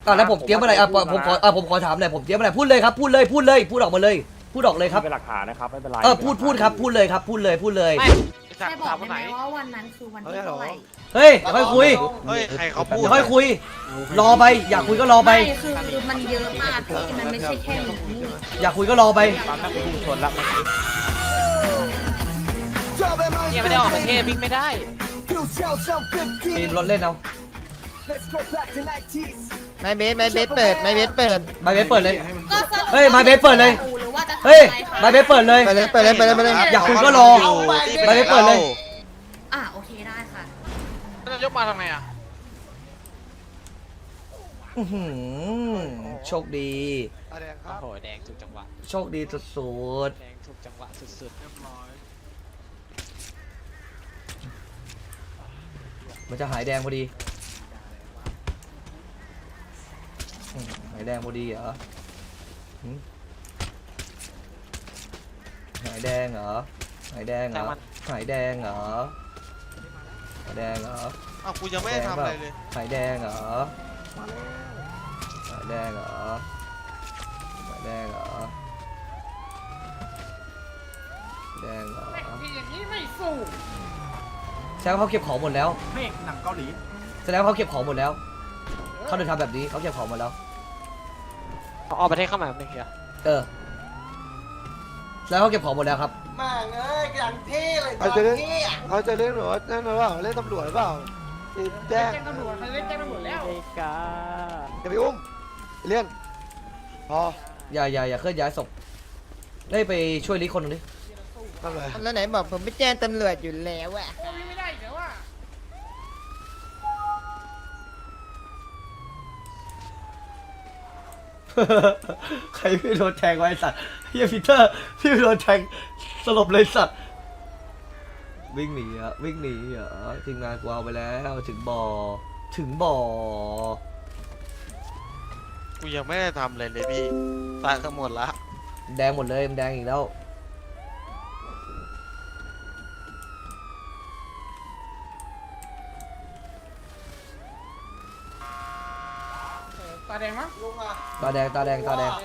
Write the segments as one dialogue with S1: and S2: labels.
S1: แล้วผมเตรียมอะไรผมขอถามหน่อยผมเตรียมอะไรพูดเลยครับพูดเลยพูดออกมาเลยพูดออกเลยครับ
S2: เป็นหลักฐานนะครับไม่เป็นไร
S1: พูดครับพูดเลยครับพูดเลย
S3: ใช่บอกได้ไหมว่าวันนั้นคือวันที่เท่าไหร่
S1: เฮ้ยเดี๋ยวค่อยคุย
S4: เฮ้ยใครเขาพูด
S1: เดี๋ยวค่อยคุยรอไปอยากคุยก็รอไป
S3: ไม่คือมันเยอะมากพี่มันไม่ใช่แค่นี้
S1: อยากคุยก็รอไป
S2: ตามนักพุ่งชนละ
S5: เนี่ยไม่ได้ออกประเทศวิ่งไม่ได้
S1: มีรถเล่นเอา
S6: ไม่เบสเปิดไม่เบสเปิด
S1: มาเบสเปิดเลย
S3: ก็สรุป
S1: เฮ้ยมาเบสเปิดเลย
S3: หรือว่าจะทำ
S1: เฮ้ย
S3: อะไรคะ
S1: มาเบสเปิดเลย
S6: ไปเลย
S1: อยากคุยก็รอมาเบสเปิดเลย
S3: โอเคได้ค่ะ
S5: จะยกมาทำไงอ่ะ
S1: โชคดี
S5: โอ้โหแดงถูกจังหวะ
S1: โชคดีสุด
S5: แดงถูกจังหวะสุด
S1: ๆมันจะหายแดงพอดีหายแดงพอดีเหรอหายแดงเหรอหายแดงเหรอหายแดงเหรอหายแดงเหรอ
S4: อ้าวกูยังไม่ได้ทำอะไรเลย
S1: หายแดงเหรอหายแดงเหรอหายแดงเหรอแดงเหรออย่างนี้ไม่สู้แสดงว่าเขาเก็บของหมดแล้ว
S2: เมฆหนังเกาหลี
S1: แสดงว่าเขาเก็บของหมดแล้วเขาถึงทำแบบนี้เขาเก็บของหมดแล้ว
S5: ๆเอาออกประเทศเข้ามาไม่เกี่ยว
S1: แล้วเขาเก็บของหมดแล้วครับ
S7: มาเอ้ยอย่างเท่เลย
S8: เขาจะเล่นเขาจะเล่นหรือว่าเล่นหรือเปล่าเล่นตำรวจหรือเปล่าแจ้ง
S5: ตำรวจเขาเล่นแจ้งตำรวจแล้ว
S8: อย่าไปอุ้มเลี่ยนพอ
S1: อย่าเคลื่อนย้ายศพได้ไปช่วยลิคนหนึงดิ
S8: ทำไร
S6: แล้วไหนบอกผมไม่แจ้งตำรวจอยู่แล้วอะ
S1: ใครพี่โดนแทงไว้สัตว์เฮียพีเตอร์พี่โดนแทงสลบเลยสัตว์วิ่งหนีทีมงานกูเอาไปแล้วถึงบ่อ
S4: กูยังไม่ได้ทำอะไรเลยพี่ตายทั้งหมดละ
S1: แดงหมดเลยมันแดงอีกแล้วตาแดง
S7: ลุงอ่ะ
S1: ตาแดง
S7: ลุงอ่ะ
S1: ตาแดง
S7: ตาแดง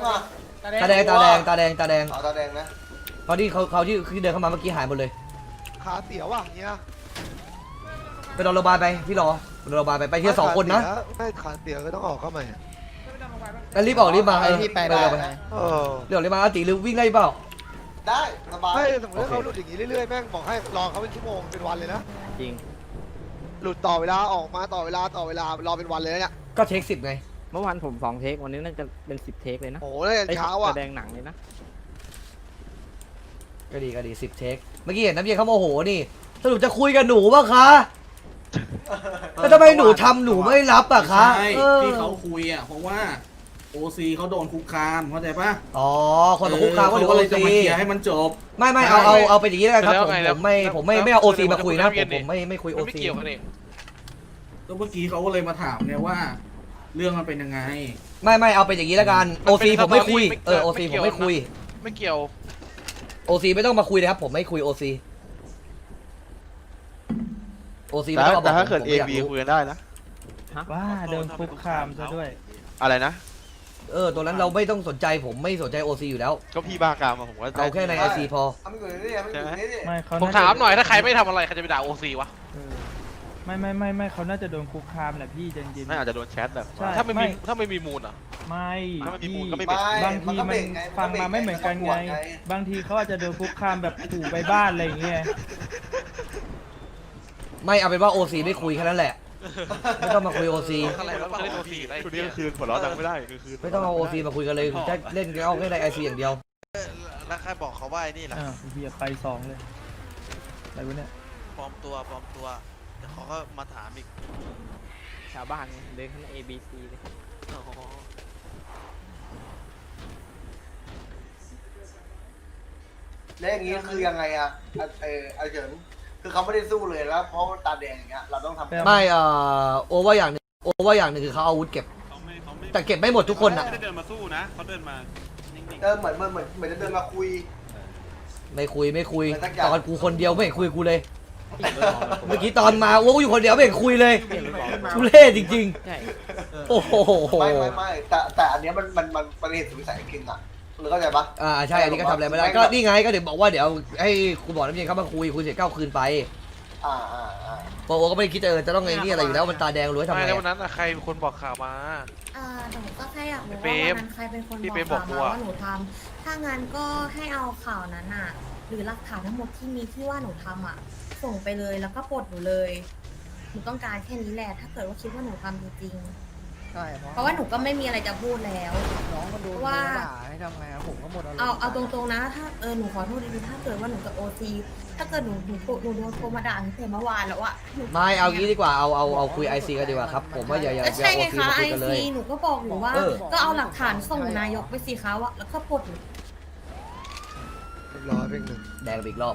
S7: นะ
S1: ตอนที่เขาที่เดินเข้ามาเมื่อกี้หายหมดเลย
S8: ขาเสียวว่ะเนี่ย
S1: ไปนอนโรงพยาบาลไปพี่รอไปนอนโรงพยาบาลไปทีละ2 คนนะ
S8: ไม่ขาเสียวก็ต้องออกเข้ามา
S1: แล้วรีบออกรีบมา
S6: พี่ไป
S1: เร็ว
S8: เออ
S1: รีบมาอาติหรือวิ่งได้เปล่า
S7: ได้สบาย
S8: ไม่สมมติเขาหลุดอย่างนี้เรื่อยๆแม่งบอกให้รอเขาเป็นชั่วโมงเป็นวันเลยนะ
S2: จริง
S8: หลุดต่อเวลาออกมาต่อเวลารอเป็นวันเลยเนี่ย
S1: ก็เทค10ไง
S2: เมื่อวานผม2 เทควันนี้น่าจะเป็น10 เทคเลยนะ
S8: โอ้โหเลยเช้าอ่ะ
S2: แสดงหนังเลยนะ
S1: ก็ดี10 เทคเมื่อกี้เห็นน้ำเย็นเขาโมโหนี่สรุปจะคุยกับหนูป่ะคะแล้วทำไมหนูทำหนูไม่รับอ่ะคะ
S9: ใช่ที่เขาคุยอ่ะเพราะว่าโอซีเขาโดนคุกคามเข้าใจปะ
S1: อ๋อคนกับคุกคามก็หรือ
S9: ก็
S1: โอ
S9: เลยจะ
S1: ซี
S9: มาเคลียร์ให้มันจบ
S1: ไม่เอาเป็นอย่างนี้แล้วกันครับผมไม่เอาโอซีมาคุยนะผมไม่คุยโอ
S5: ไม่
S1: ซี
S5: เกี่ยวกันเอง
S9: ก็เมื่อกี้เขาก็เลยมาถามไงว่า เรื่องมันเป็นยังไง
S1: ไม่เอาเป็นอย่างนี้แล้วกันโอซีผมไม่คุยโอซีผมไม่คุย
S5: ไม่เกี่ยว
S1: โอซีไม่ต้องมาคุยเลยครับผมไม่คุยโอซีไม่ต้องมาบอก
S4: แต่ถ้าเกิด
S1: ผม
S4: เอ
S1: ไม่อยาก
S4: บี
S1: รู้
S4: คุยกันได้นะ
S2: ว่าโดนคุกคามซะด้วย
S4: อะไรนะ
S1: ตัวนั้นเราไม่ต้องสนใจผมไม่สนใจโอซีอยู่แล้ว
S4: ก็พี่บ้ากามมาผมก็
S1: เอาแค่ในไอซีพอ
S7: ทำอยู่นี่ทำอยู่นี่ดิ
S2: ไม่เขา
S5: ผมถามหน่อยถ้าใครไม่ทำอะไรใครจะไปด่าโอซีวะ
S2: ไม่เขาน่าจะโดนคุกคามแหละพี่จริง
S4: ไม่อาจจะโดนแชทแบบ
S2: ใช่
S5: ถ้าไม่มีมูลอ่ะ
S2: ไม่
S4: ถ้าไม่มีมูลก็ไม่
S7: ไม่
S2: บางทีมันฟังมาไม่เหมือนกันไง บางทีเขาอาจจะโดนคุกคามแบบขู่ไปบ้านอะไรอย่างเงี้ย
S1: ไม่เอาเป็นว่าโอซีไม่คุยแค่นั้นแหละไม่ต้องมาคุยโอซี
S5: อะไรวะไม่ได้โอซีอะไร
S4: คืนนี้ก็คืนหัวเราะดังไม่ได้คือคืน
S1: ไม่ต้องเอาโอซีมาคุยกันเลยจะเล่นเอาแค่ในไอซีอย่างเดียว
S4: แล้วใครบอกเขาว่าไอ้นี่ล่ะ
S2: เฮียไป2เลยอะไรวะเนี่ย
S4: ปลอมตัวเดี๋ยวเขาก็มาถามอีก
S2: ชาวบ้านเดินข้างใน ABC เลย
S7: แล้วอย่างนี้คือยังไงอ่ะไอเฉินคือเขาไม่ได้สู้เลยแล้วเพราะตาแดงอย่างเงี้ยเราต้องทำ
S1: ไม่โอว่าอย่างหนึ่งคือเขาเอาอาวุธเก็บ แต่เก็บไม่หมดทุกคนอ่ะ
S9: ไม่ได้เดินมาสู้นะเขาเดินมานิ่ง
S7: เหมือนจะเดินมาคุย
S1: ไม่คุยตอนกูคนเดียวไม่เห็นคุยกูเลยเมื่อกี้ตอนมาโอ้กูอยู่คนเดียวไม่เห็นคุยเลยทุเรศจริงๆโอ้โห
S7: ไม่แต่อันเนี้ยมันเหตุสุดวิสัยจริงอ่ะหรือเข้าใจปะ
S1: ใช่อันนี้ก็ทำอะไรไม่ได้ก็นี่ไงก็เดี๋ยวบอกว่าเดี๋ยวให้คุณบอกน้ำเย็นเข้ามาคุยเสร็จก็เอาคืนไป
S7: อ่า
S1: เพราะว่าก็ไม่ได้คิดจะต้องไอ้นี่อะไรอยู่แล้วมันตาแดงรู้ทำ
S5: ไม่
S1: ไง
S5: แล้ววันนั้นน่ะใครเป็นคนบอกข่าวมา
S3: หนูก็แค่อยากรู้
S5: พี่
S3: ว่า
S5: เปรม
S3: วันนั้นใครเป็นคน
S5: พี่
S3: บอก
S5: เปรมบอก
S3: ข่าว
S5: กู
S3: มา
S5: อะ
S3: ว่าหนูทำถ้างั้นก็ให้เอาข่าวนั้นอ่ะ หรือหลักฐานทั้งหมดที่มีที่ว่าหนูทำอ่ะ ส่งไปเลยแล้วก็ปลดหนูเลยหนูต้องการแค่นี้แหละถ้าเกิดว่าคิดว่าหนูทำจริง
S6: ใช่
S3: ๆเพราะว่าหนูก็ไม่มีอะไรจะพูดแล้ว
S6: น้องมันโดน
S3: ว่า
S6: ด่าให้ทำไงครับผมก็หมด
S3: เอาตรงๆนะถ้าหนูขอโทษดีๆถ้าเกิดว่าหนูกับโอซีถ้าเกิดหนูโดนโทรมาด่าตั้งแต่เมื่อวานแล้วอะหนู
S1: ไม่เอางี้ดีกว่าเอาคุยไอซีกันดีกว่าครับผมว่าอย่า
S3: ก็ใช่ไง
S1: โอซี
S3: คะ
S1: มา
S3: ไอ
S1: คุยกันเลย
S3: ซีหนูก็บอกหนูว่า ก็เอาหลักฐานส่งนายกไปสิคะว่าแล้วก็ปลดหนู
S8: เรียบร้อยเพ่งหนึ่ง
S1: แดงไปอีกรอบ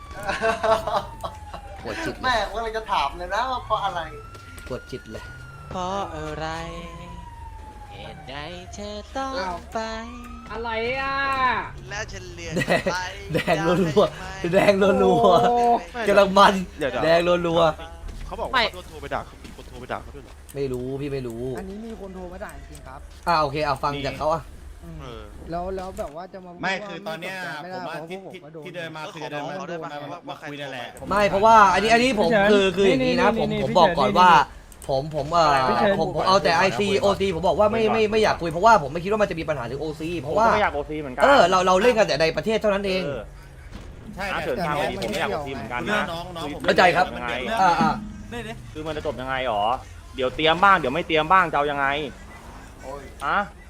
S1: ปวดจิตเล
S7: แม่
S1: ย
S7: ว่าเราจะถามเลยนะว่าเพราะอะไร
S1: ปวดจิตเลย
S4: เพราะอะไรเหตุใดเธอต้องไป
S2: อะไรอ่ะ
S4: แล้วฉันเลือน
S1: แดง
S4: ไป
S1: แดงรัวๆแดงรัวๆกำลังมันแดงรัว
S5: เขาบอกว่าเขาโดนโทรไปด่าเขามีคนโทรไปด่าเขาด้วยเหรอ
S1: ๆไม่รู้พี่ไม่รู้
S6: อันนี้มีคนโทรมาด่าจริงๆครับ
S1: โอเคเอาฟังจากเขาอ่ะ
S5: เออ
S6: แล้วแบบว่าจะมา
S10: ไม่คือตอนเนี้ย
S6: ไม่
S10: ผม
S6: ได้
S10: ว่า
S6: เพราะ
S10: ที่
S6: พวกผมก็โดน
S10: ที่เดินมาคือจะเดินมาคุยนั่นแหละ
S1: ไม่เพราะว่าอันนี้ผมคืออย่างนี้นะผมบอกก่อนว่าผมเอาแต่ IC OC ผมบอกว่าไม่อยากคุยเพราะว่าผมไม่คิดว่ามันจะมีปัญหาถึง OC เพราะว่า
S2: ไม่อยากโอซีเหมือนกั
S1: เราเล่นกันแต่ในประเทศเท่านั้นเอง
S10: ใช่
S6: เกิดทางวันนี้ผมไม่อยากคุยเหมือนกัน
S10: เรื่องน้องผม
S1: เข้าใจครับ
S2: คือมันจะจบยังไงหรอ เดี๋ยวเตรียมบ้างเดี๋ยวไม่เตรียมบ้างจะเอายังไง
S7: โอ้ย
S2: อะ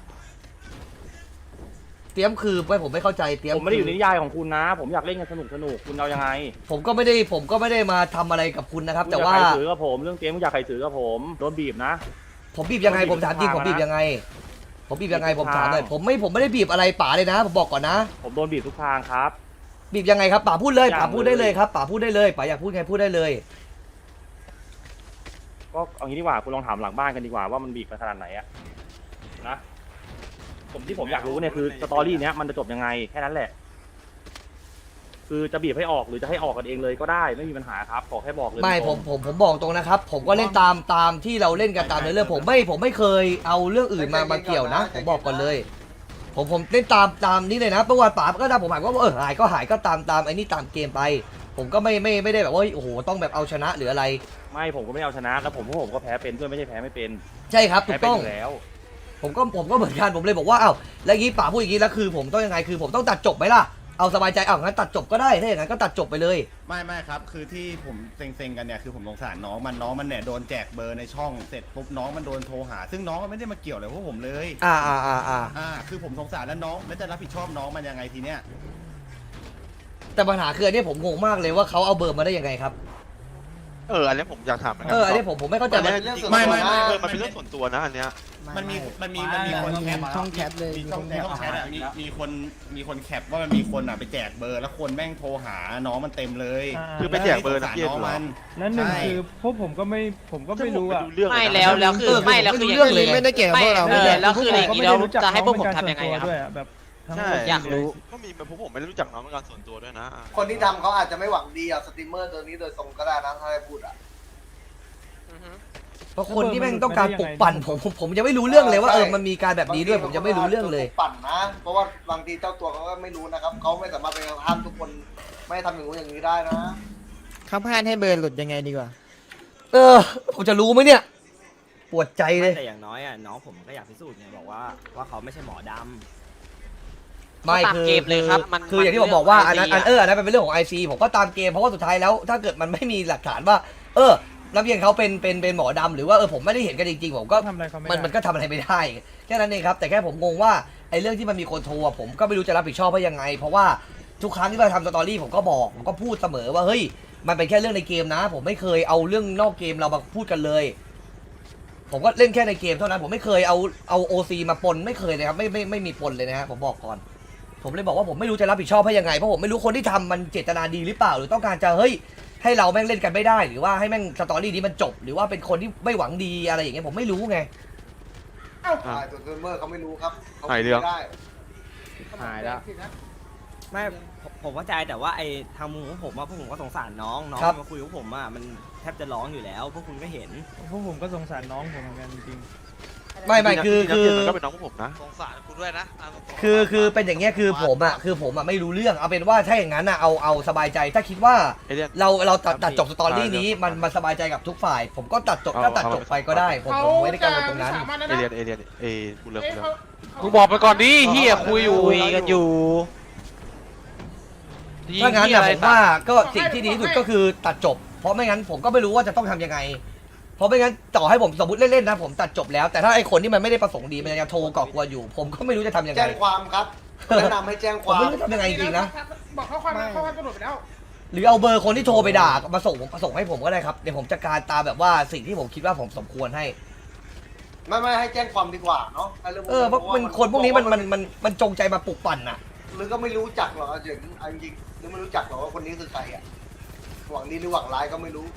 S1: เตรียมคือผมไม่เข้าใจเตรียม
S2: ผมไม่ได้อยู่ในนิยายของคุณนะ ผมอยากเล่นกันสนุกคุณเอายังไง
S1: ผมก็ไม่ได้มาทำอะไรกับคุณนะครับ แต่ว่า
S2: คุณอยากใครถือกับผมเรื่องเตรียมคุณอยากใครถือกับผมโดนบีบนะ
S1: ผมบีบยังไงผมถามจริงผมบีบยังไงผมถามหน่อยผมไม่ได้บีบอะไรป๋าเลยนะผมบอกก่อนนะ
S2: ผมโดนบีบทุกทางครับ
S1: บีบยังไงครับป๋าพูดเลย
S2: อย่าง
S1: ป๋าพูดได้เลยครับป๋าพูดได้เลยป๋าอยากพูดไงพูดได้เลย
S2: ก็เอางี้ดีกว่าคุณลองถามหลังบ้านกันดีกว่าว่ามันบีบไปขนาดไหนอะนะผมอยากรู้เนี่ยคือสตอรี่เนี้ยมันจะจบยังไงแค่นั้นแหละ คือจะบีบให้ออกหรือจะให้ออกกันเองเลยก็ได้ไม่มีปัญหาครับขอแค่บอกเลย
S1: ไม่
S2: ตรง
S1: ผมบอกตรงนะครับ ผมก็เล่นตามที่เราเล่นกันตามในเรื่องผมไม่เคยเอาเรื่องอื่นมาเกี่ยวนะ ผมบอกก่อนเลย ผมเล่นตามนี้เลยนะประวัติป๋าก็ได้ผมหายว่าหายก็หายก็ตามไอ้นี่ตามเกมไป ผมก็ไม่ได้แบบว่าโอ้โหต้องแบบเอาชนะหรืออะไร
S2: ไม่ผมก็ไม่เอาชนะแล้วผมก็แพ้เป็นด้วยไม่ใช่แพ้ไม่เป็น
S1: ใช่ครับถู
S2: แพ้
S1: ก
S2: เป็น
S1: ต้อง
S2: อยู่แล้ว
S1: ผมก็เหมือนกันผมเลยบอกว่าแล้วอย่างนี้ป๋าพูดอย่างนี้แล้วคือผมต้องยังไงคือผมต้องตัดจบไหมล่ะเอาสบายใจงั้นตัดจบก็ได้ถ้าอย่างนั้นก็ตัดจบไปเลย
S10: ไม่ครับคือที่ผมเซ็งกันเนี่ยคือผมสงสารน้องมันเนี่ยโดนแจกเบอร์ในช่องเสร็จปุ๊บน้องมันโดนโทรหา ซึ่งน้องมันไม่ได้มาเกี่ยวอะไรพวกผมเลย คือผมสงสารแล้วน้องแล้วจะรับผิดชอบน้องมันยังไงทีเนี้ย
S1: แต่ปัญหาคืออันนี้ผมงงมากเลยว่าเขาเอาเบอร์มาได้ยังไงครับ
S4: อันนี้ผมอยากถามเหมือนกั
S1: อันนี้ผมไม่เข้าใจ
S4: อัน
S1: ว่า
S4: นี้จริงๆมันเป็นเรื่องส่วนตัวนะอันเนี้ย
S10: มันมีคนแคป
S6: ช่องแคปเลย
S10: มีช่องแชทอะมีคนแคปว่ามันมีคนไปแจกเบอร์แล้วคนแม่งโทรหาน้องมันเต็มเลย
S4: คือไปแจกเบอร์นักเรียน
S10: น้อง
S4: เหรอ
S10: มัน
S2: นั่นหนึ่ง
S10: ใช่
S2: คือพวกผมก็ไม่รู้อะ
S4: เรื่อง
S11: ไม่แล้วคือไม่แล้วคือ
S1: เรื่องเลย
S6: ไม่ได้เกี่ยวกับพวกเรา
S11: แล้วคืออย่างนี้เราจะให้พวกผมทำยังไงครับ
S2: แบบ
S4: ใช่
S11: อยากรู้
S4: ก็มีพวกผมไม่ได้รู้จักน้องเป็นการส่วนตัวด้วยนะ
S7: คนที่ทำเขาอาจจะไม่หวังดีเอาสตรีมเมอร์ตัวนี้โดยตรงก็ได้นะถ้าได้พูดอ่ะ
S1: เพราะคนที่แม่งต้องการปลุกปั่นผมยังไม่รู้เรื่องเลยว่ามันมีการแบบนี้ด้วยผมยังไม่รู้เรื่องเลย
S7: ปั่นนะ เพราะว่าบางทีเจ้าตัวเขาก็ไม่รู้นะครับเขาไม่สามารถไปห้ามทุกคนไม่ให้ทำอย่างนู้นอย่างนี้ได้นะ
S6: เขาพลาดให้เบอร์หลุดยังไงดีกว่า
S1: ผมจะรู้ไหมเนี่ยปวดใจเลย
S12: แต่อย่างน้อยน้องผมก็อยากพิสูจน์ไงบอกว่าเขาไม่ใช่หมอดำ
S1: ไม่
S11: ตามเกมเลยครับมัน
S1: คืออย่างที่ผมบอกว่าอันนั้นเป็นเรื่องของ IC ผมก็ตามเกมเพราะว่าสุดท้ายแล้วถ้าเกิดมันไม่มีหลักฐานว่านักเรียนเขาเป็นหมอดำหรือว่าผมไม่ได้เห็นกันจริงๆผมก็
S2: ทำอะไรเขาไม่ได้
S1: มันก็ทำอะไรไม่ได้แค่นั้นเองครับแต่แค่ผมงงว่าไอ้เรื่องที่มันมีคนโทรผมก็ไม่รู้จะรับผิดชอบว่ายังไง เพราะว่าทุกครั้งที่เราทำสตอรี่ผมก็พูดเสมอว่าเฮ้ยมันเป็นแค่เรื่องในเกมนะ ผมไม่เคยเอาเรื่องนอกเกมเรามาพูดกันเลย ผมก็เล่นแค่ในเกมเท่านั้นผมไม่เคยเอาOCมาปนไม่เคยเลยครับไม่มีปนเลยนะฮะผมบอกก่อนผมเลยบอกว่าผมไม่รู้จะรับผิดชอบให้ยังไงเพราะผมไม่รู้คนที่ทำมันเจตนาดีหรือเปล่าหรือต้องการจะเฮ้ยให้เราแม่งเล่นกันไม่ได้หรือว่าให้แม่งสตอรี่นี้มันจบหรือว่าเป็นคนที่ไม่หวังดีอะไรอย่างเงี้ยผมไม่รู้ไง
S7: ตัวสตรีมเมอร์เขาไม่รู้ครับเขา
S4: หายเรื่อง
S7: ไม่ได้
S2: หายแล้ว
S12: ไม่ผมเข้าใจแต่ว่าไอ้ทางมุมของผมว่าพวกผมก็สงสารน้องมาคุยกับผมอ่ะมันแทบจะร้องอยู่แล้วพวกคุณก็เห็น
S6: พวกผมก็สงสารน้องผมเหมือนกันจริง
S1: ไม่คือ
S5: ก็เป็นน้องของผมนะ
S4: สงสารกูด้วยนะะ
S1: คือเป็นอย่างเงี้ยคือผมไม่รู้เรื่องเอาเป็นว่าถ้าอย่างนั้นเอาสบายใจถ้าคิดว่าเราตัดจบสตอรี่นี้มันสบายใจกับทุกฝ่าย ผมก็ตัดจบไปก็ได้ผมไม่ได้กังวลตรงนั้น
S5: เอเลียนกูเลิกกูบอกไปก่อนดิเฮียคุยกันอยู่
S1: ถ้างั้นนะผมว่าก็สิ่งที่ดีที่สุดก็คือตัดจบเพราะไม่งั้นผมก็ไม่รู้ว่าจะต้องทำยังไงเพราะไม่งั้นต่อให้ผมสมมติเล่นๆนะผมตัดจบแล้วแต่ถ้าไอ้คนที่มันไม่ได้ประสงค์ดีมันยังโทรก่อกวนอยู่ ผมก็ไม่รู้จะทำยังไง
S7: แจ้งความครับแนะนำให้แจ้งค
S1: ผม
S7: วาม
S1: ไม่รู้จะทำยังไงจริงๆนะ
S6: บอกเขาความตำรวจไปแล้ว
S1: หรือเอาเบอร์คนที่โทรไปด่ามาส่งให้ผมก็ได้ครับเดี๋ยวผมจัดการตามแบบว่าสิ่งที่ผมคิดว่าผมสมควรให้
S7: ไม่ให้แจ้งความดีกว่าเนาะ
S1: เพราะมันคนพวกนี้มันจงใจมาปลุกปั่นน่ะ
S7: หรือก็ไม่รู้จักหรอกจริงหรือไม่รู้จักหรอกว่าคนนี้คือใครอ่ะหวังดีหรือหวังร้ายก็ไม่รู้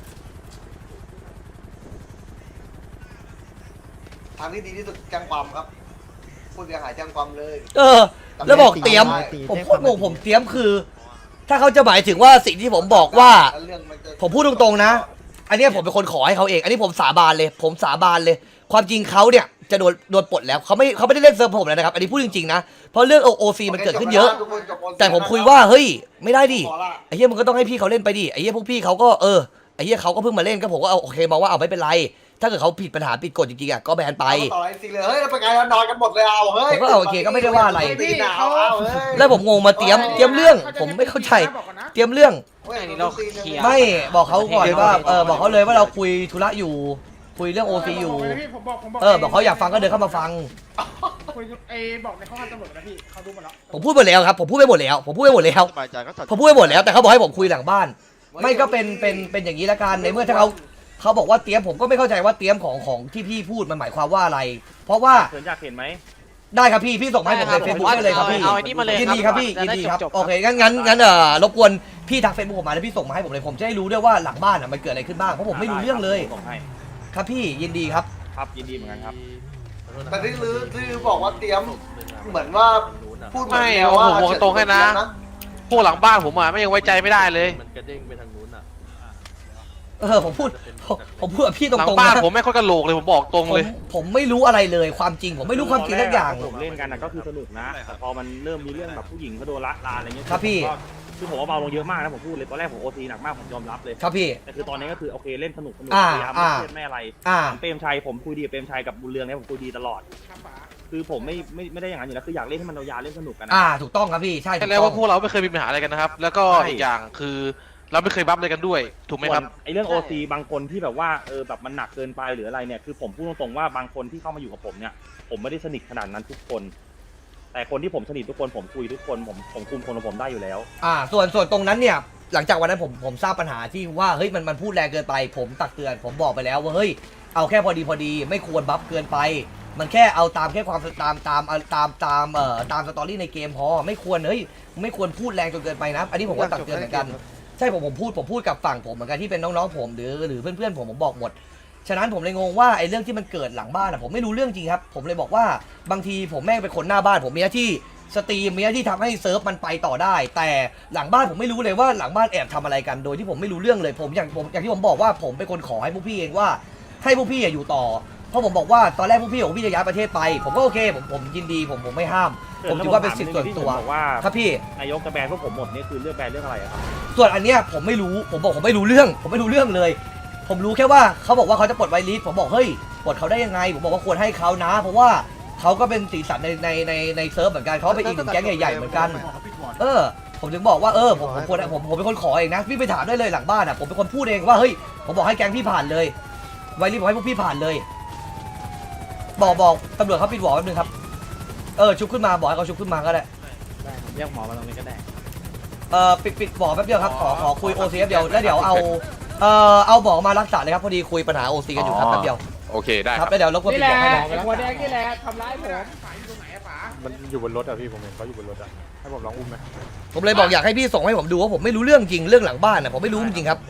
S7: ทางที่ดีที่สุดแจ้งความครับผู้เสียหายแจ้งความเลย
S1: แล้วบอกเตรียมผมพูดงงผมเตรียมคือ ถ้าเขาจะหมายถึงว่าสิ่งที่ผมบอกว่าผมพูดตรงๆนะอันนี้ผมเป็นคนขอให้เขาเองอันนี้ผมสาบานเลยความจริงเขาเนี่ยจะโดนปลดแล้วเขาไม่ได้เล่นเซิร์ฟผมแล้วนะครับอันนี้พูดจริงๆนะเพราะเรื่องโอซีมันเกิดขึ้นเยอะแต่ผมคุยว่าเฮ้ยไม่ได้ดิไอ้เหี้ยมึงก็ต้องให้พี่เขาเล่นไปดิไอ้เหี้ยพวกพี่เขาก็ไอ้เหี้ยเขาก็เพิ่งมาเล่นก็ผมก็โอเคมองว่าเอาไม่เป็นไรถ้าเกิดเขาผิดปัญหาผิดกฎจริงๆอ่ะก็แบนไป
S7: ต่อไอ้สิเลยเฮ้ยแล้วเป็นไงเรานอนกันหมดเลยเอาเฮ้ย
S1: ผมก็โอเคก็ไม่ได้ว่าอะไร
S7: พี่เขา
S1: แล้วผมงงมาเตรียมเรื่องผมไม่เข้าใจเตรียมเรื่อง
S11: อันนี้เราเคลียร์
S1: ไม่บอกเขาก่อนว่าบอกเขาเลยว่าเราคุยธุระอยู่คุยเรื่องโอซีอยู่บอกเขาอยากฟังก็เดินเข้ามาฟัง
S6: บอกในข้อความตำรวจนะพี่เขาดูหมดแล้ว
S1: ผมพูดหมดแล้วครับผมพูดไปหมดแล้วแต่เขาบอกให้ผมคุยหลังบ้านไม่ก็เป็นอย่างนี้ละกันในเมื่อถ้าเขาบอกว่าเตรียมผมก็ไม่เข้าใจว่าเตรียมของที่พี่พูดมันหมายความว่าอะไร เพราะว่า
S2: เชิญอยากเห็นไหม
S1: ได้ครับพี่ส่งมาให้ผมในเฟซบุ๊กได้เลยครับพี่
S11: เอาไอ้นี่มาเลย
S1: ยินดีครับพี่ยินดีครับ
S11: จบๆ
S1: โอเคงั้นรบกวนพี่ทักเฟซบุ๊กผมมาแล้วพี่ส่งมาให้ผมเลยผมจะได้รู้ด้วยว่าหลังบ้านมันเกิดอะไรขึ้นบ้างเพราะผมไม่รู้เรื่องเลย
S2: ส่งให้
S1: ครับพี่ยินดีครับ
S2: ครับยินดีเหมือนกันครับ
S7: แต่ที่บอกว่าเตรียมเหมือนว่าพูดเหมือน
S5: ไม่
S7: แนวว่า
S5: ผมบอกตรงให้นะ พวกหลังบ้านผมอ่ะไม่ยังไว้ใจไม่ได้เลย
S12: มันกระเด้งไปทางนู้นอ่ะ
S1: ผมพูดกับพี่ต
S5: หลัง
S1: รงๆ
S5: บ้าน
S1: นะ
S5: ผมไม่ค่อยกระโหลกเลยผมบอกตรงเลย
S1: ผมไม่รู้อะไรเลยความจริงผมไม่รู้ความจริงทุกอย่าง
S2: ผมเล่นกันนะก็คือสนุกนะแต่พอมันเริ่มมีเรื่องแบบผู้หญิงเขาโดนละลานอะไรเงี้ย
S1: ครับพี่
S2: คือผมว่าเบาลงเยอะมากนะผมพูดเลยตอนแรกผมโอทีหนักมากผมยอมรับเลย
S1: ครับพี่
S2: แต่คือตอนนี้ก็คือโอเคเล่นสนุกพยายามไม่เครียดไม่อะไรเปรมชัยผมคุยดีกับเปรมชัยกับบุญเรืองเนี่ยผมคุยดีตลอด คือผมไม่ได้อย่างนั้นอยู่แล้วคืออยากเล่นให้มันยาวๆเล่นสนุกกันนะ
S1: ถูกต้องครับพี่ใช่ถู
S5: ใช่
S1: ก
S5: แล้ว
S1: ต้อ
S5: ว่าง พวกเราไม่เคยมีปัญหาอะไรกันนะครับ แล้วก็อีกอย่างคือเราไม่เคยบัฟอะไรกันด้วย ถูกไหมครับ
S2: ไอ้เรื่องโอซีบางคนที่แบบว่าแบบมันหนักเกินไปหรืออะไรเนี่ยคือผมพูดตรงๆว่าบางคนที่เข้ามาอยู่กับผมเนี่ยผมไม่ได้สนิทขนาดนั้นทุกคน แต่คนที่ผมสนิททุกคนผมคุยทุกคนผมคุมคนของผมได้อยู่แล้ว
S1: ส่วนตรงนั้นเนี่ยหลังจากวันนั้นผมทราบปัญหาที่ว่าเฮ้ยมันพูดแรงเกินไปผมตักเตือนผมบอกไปแล้วว่าเฮ้ยเอาแค่พอดีไม่ควรบัฟเกินไปมันแค่เอาตามแค่ความตามสตอรี่ในเกมพอไม่ควรไม่ควรพูดแรงจนเกินไปนะอันนี้ผมก็ตักเตือนเหมือนกันใช่ผมพูดกับฝั่งผมเหมือนกันที่เป็นน้องๆผมหรือเพื่อนๆผมบอกหมดฉะนั้นผมเลยงงว่าไอ้เรื่องที่มันเกิดหลังบ้านผมไม่รู้เรื่องจริงครับผมเลยบอกว่าบางทีผมแม่งเป็นคนหน้าบ้านผมมีหน้าที่สตรีมมีหน้าที่ทำให้เซิร์ฟมันไปต่อได้แต่หลังบ้านผมไม่รู้เลยว่าหลังบ้านแอบทำอะไรกันโดยที่ผมไม่รู้เรื่องเลยอย่างที่ผมบอกว่าผมเป็นคนขอให้พวกพี่เองว่าให้พวกพี่อยู่ต่อเพราะผมบอกว่าตอนแรกพวกพี่บอกพี่จะย้ายประเทศไปผมก็โอเคผมยินดีผมไม่ห้ามผมถือว่าเป็นสิทธิ์ส่วนตัว
S2: บอกว่า
S1: ครับพี่
S2: นายกจะแบนพวกผมหมดนี่คือเรื่องแบนเรื่องอะไรอะครับ
S1: ส่วนอันเนี้ยผมไม่รู้ผมไม่รู้เรื่องเลย ผมรู้แค่ว่าเขาบอกว่าเขาจะปลดไวลิสผมบอกเฮ้ยปลดเขาได้ยังไงผมบอกว่าควรให้เขานะเพราะว่าเขาก็เป็นสีสันในเซิร์ฟเหมือนกันเขาเป็นอีกหนึ่งแก๊งใหญ่ๆเหมือนกันผมถึงบอกว่าผมเป็นคนขอเองนะพี่ไปถามได้เลยหลังบ้านผมเป็นคนพูดเองว่าเฮ้ยผมบอกให้แก๊งพี่ผ่านเลยไวลิสบอกให้พวกพี่ผ่านเลยบอกตำรวจเขาปิดหวอแป๊บนึงครับชุบขึ้นมาบอกให้เขาชุบขึ้นมาก็ได้
S12: เรียกหมอมาตรงนี้ก็ได้
S1: ปิดหมอแป๊บเดียวครับขอคุยโอซีเดียวแล้วเดี๋ยวเอาหมอมารักษาเลยครับพอดีคุยปัญหาโอซีกันอยู่ครับแป๊บเดียว
S5: โอเคได้
S1: ครับแล้วเดี๋ยวรบกวนปิดหมอให้น้อง
S6: ไอ้หัวแดงนี่แหละทำร้ายผม
S5: มันอยู่บนรถอ่ะพี่ผมเห็นเขาอยู่บนรถอ่ะให้ผมลองอุ้มไหม
S1: ผมเลยบอกอยากให้พี่ส่งให้ผมดูว่าผมไม่รู้เรื่องจริงเรื่องหลังบ้านผมไม่รู้จริงครับ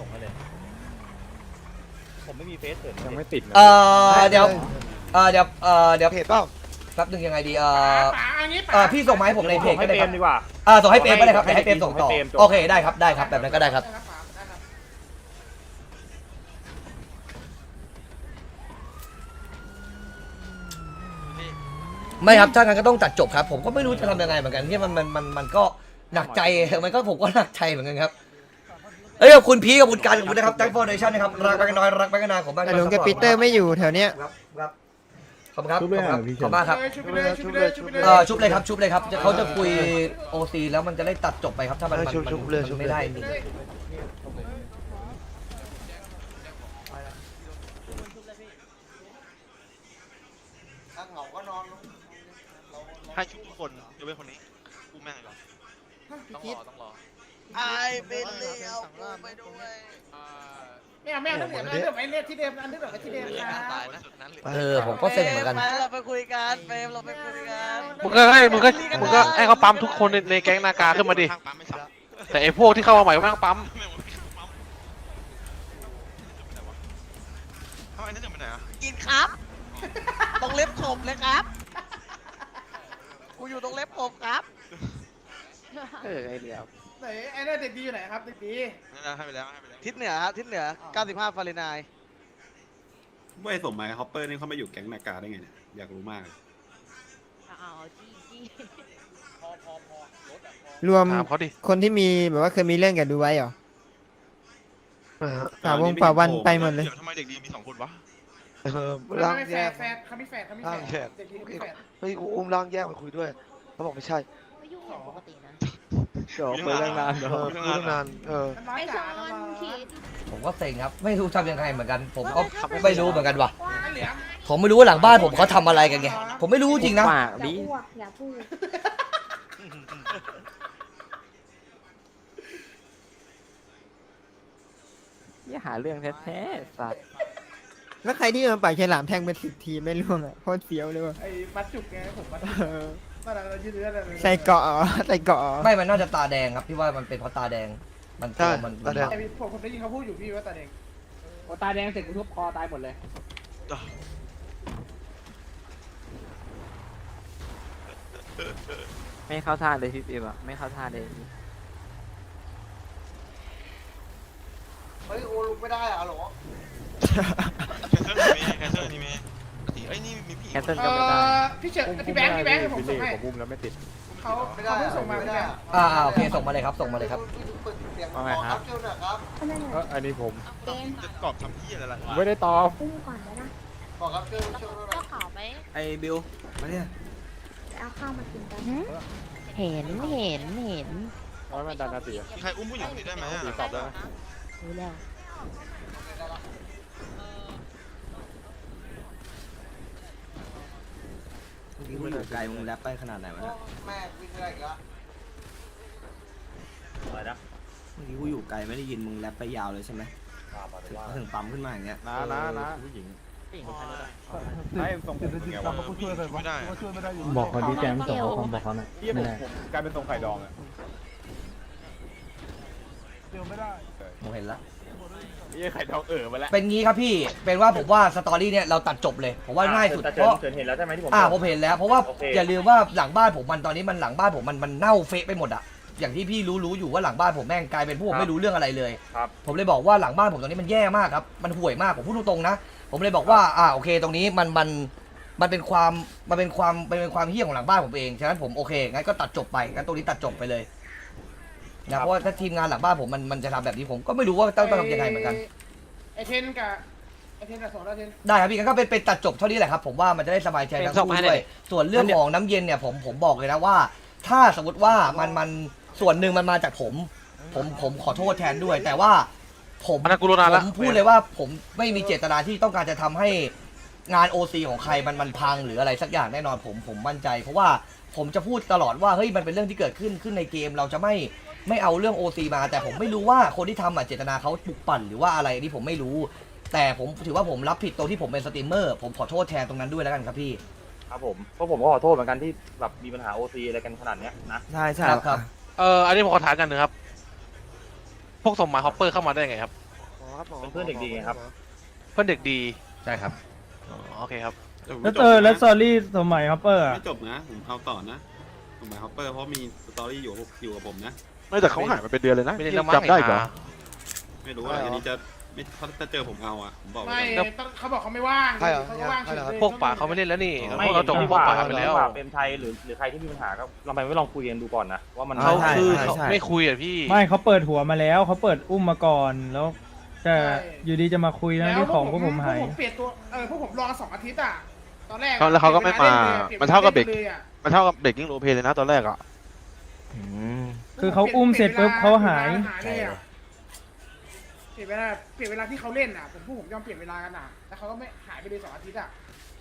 S2: ผมไม่มีเฟซเถิด
S5: ยังไม่ติด
S1: เดี๋ยว
S8: เพจเปล่า
S1: แป๊บนึงยังไงดีพี่ส่งมาให้ผมในเพจ
S2: ให้
S1: ก็ได้
S2: เปร
S1: ครั
S2: ม
S1: บ
S2: ดีกว่า
S1: ส่งให้เปรมก็ได้ครับให้เปรมส่งต่อโอเคได้ครับได้ครับแบบนั้นก็ได้ครับไม่ครับถ้างั้นก็ต้องตัดจบครับผมก็ไม่รู้จะทำยังไงเหมือนกันที่มันก็หนักใจมันก็ผมก็หนักใจเหมือนกันครับขอบคุณพีกับคุณการขอบคุณนะครับแจ็คฟอร์เดชั่นนะครับรักไปกันน้อยรักไปกันนานผมบ้าง
S8: แต่ลุงกับปีเตอร์ไม่อยู่แถวเนี้ย
S1: ครับขอบคุณครับขอบคุณมากครับ
S6: ชุบไปเลยชุบไปเลยชุบไปเลย
S1: ชุบเลยครับชุบเลยครับเขาจะคุยโอซีแล้วมันจะได้ตัดจบไปครับถ้ามันไม่ได้จริง
S7: ถ้าเหงาก็นอนลง
S5: ให้ชุบทุกคนยกเว้นคนนี้กูแม่งเลยต้องรอ
S4: ไอเป็นเลยเอากูไปด้วย
S6: ไม่เอาน้ำเหลืองอันเดิมไอ้เนี่ยที่เดิมอันเดิมที่เดิมนะ
S5: ตายนะสุดนั้นเลย
S1: ผมก็เซ็งเหมือนกัน
S4: เราไปคุยกันเฟรมเราไปคุยกัน
S5: มึงก็ให้เขาปั๊มทุกคนในแก๊งนากาขึ้นมาดิแต่ไอ้พวกที่เข้ามาใหม่ก็ไม่ต้องปั๊มทำไมนั่นจะไปไหนอ่ะ
S4: กินครับ ตรงเล็บขบเลยครับ กูอยู่ตรงเล็บขบครับ
S12: ไอเดียว
S6: ไหนไอ้เนี่ยเด็กดีอยู่ไหนครับเด็กดี
S5: ให้ไปแล้ว
S4: ทิศเหนือครับทิศเหนือ 95 ฟาเรนไฮต์
S9: ว่าไอ้สมหมายฮอปเปอร์นี่เขามาอยู่แก๊งนาการได้ไงเนี่ยอยากรู้มากเลย
S8: รวม
S5: ถามเขาดิ
S8: คนที่มีแบบว่าเคยมีเรื่องกับดูไว้เหรอป่าวันไปหมดเลย
S5: ทำไมเด็กดีมี2 คนวะ
S6: ร่างแฝดเขามีแฝดเด็กดีมีแฝด
S8: เฮ้ยอุ้มร่างแยกมาคุยด้วยเขาบอกไม่ใช่
S11: ปกตินะ
S12: เดี๋ยวไปเรื่องนานเดี๋ยว
S8: คุยตั้งนาน
S6: น้อยจ๋าน้อย
S1: ผมก็เซ็งครับไม่รู้ทำยังไงเหมือนกัน ผมก็ไม่รู้เหมือนกันว่ะ
S6: เหลือง
S1: ผมไม่รู้ว่าหลังบ้านผมเขาทำอะไรกันไงผมไม่รู้จริงนะ
S11: ปากดิ
S3: อย่าพูด
S12: อย่าหาเรื่องแท้ๆสัตว์
S8: แล้วใครที่มันปล่อยฉลามแทงเป็น10 ทีไม่ร่วงอ่ะโคตรเฟี้ยวเลยว่ะ
S6: ไอ้มัดจุกไงผมมัดตอนนั้นเรายืดเนื้อเลย
S8: ใส่เกาะเหรอใส่เกาะเหรอ
S1: ไม่มันน่าจะตาแดงครับพี่ว่ามันเป็นเพราะตาแดงมันมัน
S6: ไอ้ผมได้ยินเขาพูดอยู่พี่ว่าตาแดง
S12: ตาแดงเสร็จกูทุบคอตายหมดเลย ไม่เข้าท่าเลยพี่ปิ๊บอะไม่เข้าท่าเลย
S7: เฮ้ยโอ้ลุกไม่ได้อะหรอ
S5: แคนเซิลนี่มีไอ้นี่มีพี่
S12: แคนเซิลก็ไม่ได้
S6: พี่เฉิดพี่แบงค์ผมส่งให้
S12: ผมบุ้มแล้วไม่ติด
S6: เขาเพิ่งส่งมา
S7: ไม่
S6: พี่
S7: ได้
S6: แบงค์
S1: โอเคส่งมาเลยครับส่งมาเลยครับ
S7: เปิดเสียงครับเจ้าหน่อยครับ
S12: อันนี้ผม
S5: จะกรอบทำพี่อะไรล่ะ
S12: ไม่ได้ตอบ
S3: อุ้มก่อนได้นะ
S7: บอกครับเจ้าหน่อย
S11: ก็ขาวไหม
S12: ไอ้บิวมาเนี่ย
S3: ไปเอาข้าวมากินกัน
S11: เห็น
S12: ร้อยมันดันนาที
S5: ใครอุ้มผู้หญิงคนนี้ได้ไหมอ่ะ
S12: ตอบได้ไหม
S11: รู้แล้ว
S12: มึงอยู่ไกลมึงแรปไปขนาดไหนวะเนี่ย
S7: แม่วิ่งอะไรอีกแล้ว
S2: อะไรนะ
S12: เมื่อกี้กูอยู่ไกลไม่ได้ยินมึงแรปไปยาวเลยใช่ไหมถึงปั๊มขึ้นมาอย่างเงี้ย
S10: นะผู้หญิงให้ส่งผมไงวะ
S5: ไม่ได้
S12: บอกเขาดีแจมส่งเขาบอกเขาหน่อย
S10: พี่ผมกลายเป็นทรงไข่ดองอ่ะ
S1: ผมเห็นแล้ว
S10: พี่ไข่ดองมาแล้ว
S1: เป็นงี้ครับพี่เป็นว่าผมว่าสตอรี่เนี่ยเราตัดจบเลยผมว่าง่ายสุด
S2: แต่
S1: เพราะ
S2: เฉินเห็นแล้วใช่ไหมที่ผม
S1: ผมเห็นแล้วเพราะว่า
S2: โอเค
S1: อย่าลืมว่าหลังบ้านผมมันตอนนี้มันหลังบ้านผมมันเน่าเฟะไปหมดอะอย่างที่พี่รู้อยู่ว่าหลังบ้านผมแม่งกลายเป็นพวกผมไม่รู้เรื่องอะไรเลย
S2: ครับ
S1: ผมเลยบอกว่าหลังบ้านผมตอนนี้มันแย่มากครับมันห่วยมากผมพูดตรงๆนะผมเลยบอกว่าโอเคตรงนี้มันเป็นความเหี้ยของหลังบ้านผมเองฉะนั้นผมโอเคงั้นก็ตัดจบไปงั้นตรงนี้ตัดจบไปเลยนะเพราะว่าถ้าทีมงานหลังบ้านผมมันจะทำแบบนี้ผมก็ไม่รู้ว่าต้องทำยังไงเหมือนกัน
S6: ไอเทนกับสองแล้วเทน
S1: ได้ครับพี่งั้นก็เป็นตัดจบเท่านี้แหละครับผมว่ามันจะได้สบายใจทั้งคู่ด้วยส่วนเรื่องของน้ำเย็นเนี่ยผมบอกเลยนะว่า ถ้าสมมติว่ามันส่วนหนึ่งมันมาจากผมขอโทษแทนด้วย แต่ว่าผม
S5: อันนั้นกูรู้นานแล้ว
S1: พูดเลยว่าผมไม่มีเจตนาที่ต้องการจะทำให้งาน OC ของใครมันพังหรืออะไรสักอย่างแน่นอนผมมั่นใจ เพราะว่าผมจะพูดตลอดว่าเฮ้ยมันเป็นเรื่องที่เกิดขึ้นในเกมเราจะไม่เอาเรื่อง OC มาแต่ผมไม่รู้ว่าคนที่ทำเจตนาเขาปลุกปั่นหรือว่าอะไรนี่ผมไม่รู้ แต่ผมถือว่าผมรับผิดตรงที่ผมเป็นสตรีมเมอร์ผมขอโทษแทนตรงนั้นด้วยแล้วกันครับพี่
S2: ครับผมเพราะผมก็ขอโทษเหมือนกันที่แบบมีปัญหา OC อะไรกันขนาดเนี้ยนะ
S12: ใช่ใช่
S1: ครับ
S5: อันนี้ผมขอถามกันหนึ่งครับ พวกสมหมายฮอปเปอร์เข้ามาได้ไงครับ
S2: เป็นเพื่อนเด็กดีไงครับ
S5: เพื่อนเด็กดี
S1: ใช่ครับ
S5: โอเคครับ
S9: แล้วซอรี่สมัยฮัปเปอร์ไม่จบนะผมเอาต่อนะสมัยฮอปเปอร์เพราะมีสตอรี่อยู่กับผมนะ
S5: ไม่แต่เขาหายมาเป็นเดือนเลยนะ
S8: ไม่ได้
S5: ยังจำได้อีกเหรอ
S9: ไม่รู้ว่าอันนี้จะไม่ถ้าเจอผมเอาอ่ะผมบอก
S6: ไม่
S9: ไว้ก่อน
S6: เขาบอกเขาไม่ว่าง
S8: ใช่เหรอ
S6: เขาก็ว่างเฉยเลย
S5: พวกป่าเขาไม่เล่นแล้วนี่
S2: ไม่
S5: พวกเราจบพวกป่าไปแล้ว
S2: เป็นชัยหรือใครที่มีปัญหาก็ลองไปไม่ลองคุยกันดูก่อนนะว่ามัน
S5: เขา
S12: ใช่
S5: คือ
S12: ใช่
S5: เขา
S12: ใช่
S5: ไม่คุยอ่ะพี่
S13: ไม่เขาเปิดหัวมาแล้วเขาเปิดอุ้มมาก่อนแล้วแต่อยู่ดีจะมาคุยนะที่ของพวกผมหาย
S6: พวกผมเปลี่ยนตัวพวกผมรอ2 อาทิตย์อ่ะตอนแรก
S5: แล้วเขาก็ไม่มา มันเท่ากับเบรก
S6: เลยอะ
S5: มันเท่ากับเบรกกิ้งโรเพเลยนะตอนแรกอ่ะ
S12: อืม
S13: คือเขาอุ้มเสร็จปุ๊บเขาหาย
S6: เลยอะเปลี่ยนเวลาที่เขาเล่นอ่ะผมยอมเปลี่ยนเวลากันอ่ะแล้วเขาก็ไม่หายไปเลย2 อาทิตย์อ่ะ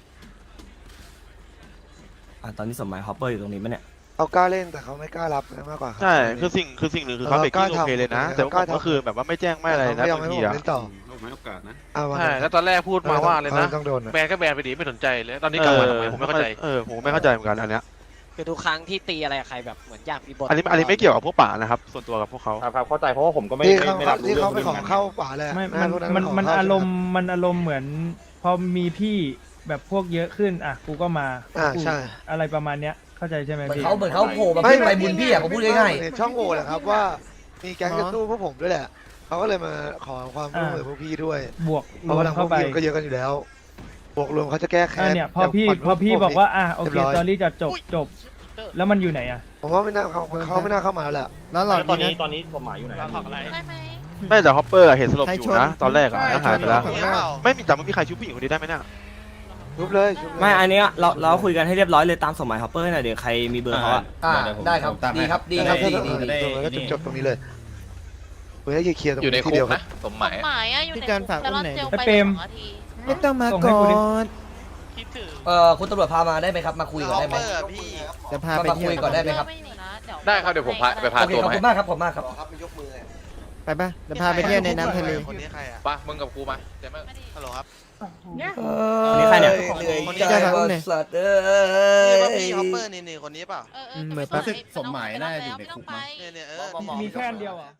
S12: ตอนนี้สมัยฮอปเปอร์อยู่ตรงนี้ปะเนี่ย
S8: เขากล้าเล่นแต่เขาไม่กล้ารับมากกว่าครับ
S5: ใช่คือสิ่งหนึ่งคือเขาเบรกกิ้งโรเพเลยนะ แต่ว่าผมก็คือแบบว่าไม่แจ้งไม่อะไรนะ
S8: เขา
S5: บาง
S8: ไม่
S5: ที
S8: ยอม
S5: อ่ะ
S8: ให้ผมเล่นต่อ
S9: ผมให้โอกาสนะ
S8: เอามา
S5: ใช่แล้วตอนแรกพูดมาว่าเลยนะ
S8: ต้องโดนอะ
S5: แบนก็แบนไปดิไม่สนใจเลยตอนนี้กลับมาทำไมผมไม่เข้าใจผมไม่เข้าใจเหมือนกันอันเนี้ย
S4: คือทุกครั้งที่ตีอะไรใครแบบเหมือนอยากมีบท
S5: อันนี้ไม่เกี่ยวกับพวกป่านะครับส่วนตัวกับพวกเขา
S2: ครับเข้าใจเพราะว่าผมก็ไม่
S8: ที่เขา
S2: ไม่รับรู้
S8: ที่
S2: เรื่
S8: เขา
S2: อง
S8: ไปขอเข้าป่าเลย
S13: ไม่
S8: พวก
S13: มัน
S8: ขเข้
S13: อารมณ์เหมือน พอมีพี่แบบพวกเยอะขึ้นอ่ะกูก็มา
S8: ใช่
S13: อะไรประมาณเนี้ยเข้าใจใช่ไหม
S1: เหมือน
S13: พี่
S1: เขาโผล่มาขึ้นไปบุญพี่อ่ะผมพูดง่าย
S8: เห็นช่องโหว่แหละครับว่ามีแก๊งจะสู้พวกผมด้วยแหละเขาก็เลยมาขอความร่วมมือพวกพี่ด้วย
S13: บวก
S8: เพราะว่าทางพ
S13: เข้าว
S8: ก
S13: ไป
S8: พี่ก็เยอะกันอยู่แล้วบวกรวมเขาจะแก้แค้น
S13: เนี่ยพอพี่บอกว่าโอเคตอรี่จะจบแล้วมันอยู่ไหนอ่ะ
S8: ผมว่าไม่น่าเขาไม่น่าเข้ามาแล้วแหละ
S2: แล้วตอนนี้ผมหมายอยู่ไหน
S5: ไม่แต่ฮอปเปอร์เห็นสลบอยู่นะตอนแรกอ่ะแล้วหายไปแล้วไม่มีแต่ไม่มีใครชุบผู้หญิงคนนี้ได้ไหมเนี่ย
S8: ชุบเลยชุบเลย
S12: ไม่อันเนี้ยเราคุยกันให้เรียบร้อยเลยตามสมัยฮอปเปอร์หน่อยเดี๋ยวใครมีเบอร์เขาอะ
S1: ได้ครับดีครับดีครับดีดี
S8: แล้วก็จบตรงนี้เลยเพื่อให้เคลียร์ตรงนี้ทีเดียวครับ
S11: สมหมายอะอยู่ในคุกแต่รอดเจล
S13: ไอ้
S11: ไป
S13: เปรม
S11: 2 นาที
S13: ไม่ต้องมาก่อน
S1: คุณตำรวจพามาได้ไหมครับมาคุยก่อนได้ไหม
S8: จะพาไป
S1: มาคุยก่อนได้ไหมครับ
S11: ไม่หนีนะเดี๋ยว
S5: ได้ครับเดี๋ยวผมไปพา
S1: โอเคขอบคุณมากครับขอบคุณมากครับ
S7: ครับมันยกมือ
S8: ไปป่ะจะพาไปเที่ยวในน้ำทะเล
S7: คนนี้ใครอ่ะ
S5: ป่ะมึงกับกูมาเดี๋ยว
S7: ฮัลโหลครับ
S12: นี่ใครเนี่ย
S7: คนนี้
S1: ใจ
S7: ใคร
S1: ว่าสัตว์เอ้
S7: นี่ป่ะพี่ฮอปเปอร์นี่คนนี้เปล่า
S11: เหมือน
S9: รู้สึกสมหมายน่าจะอยู่ในคุกมั้ง
S7: เนี่ย
S13: มีแค่อันเดียวอ่ะ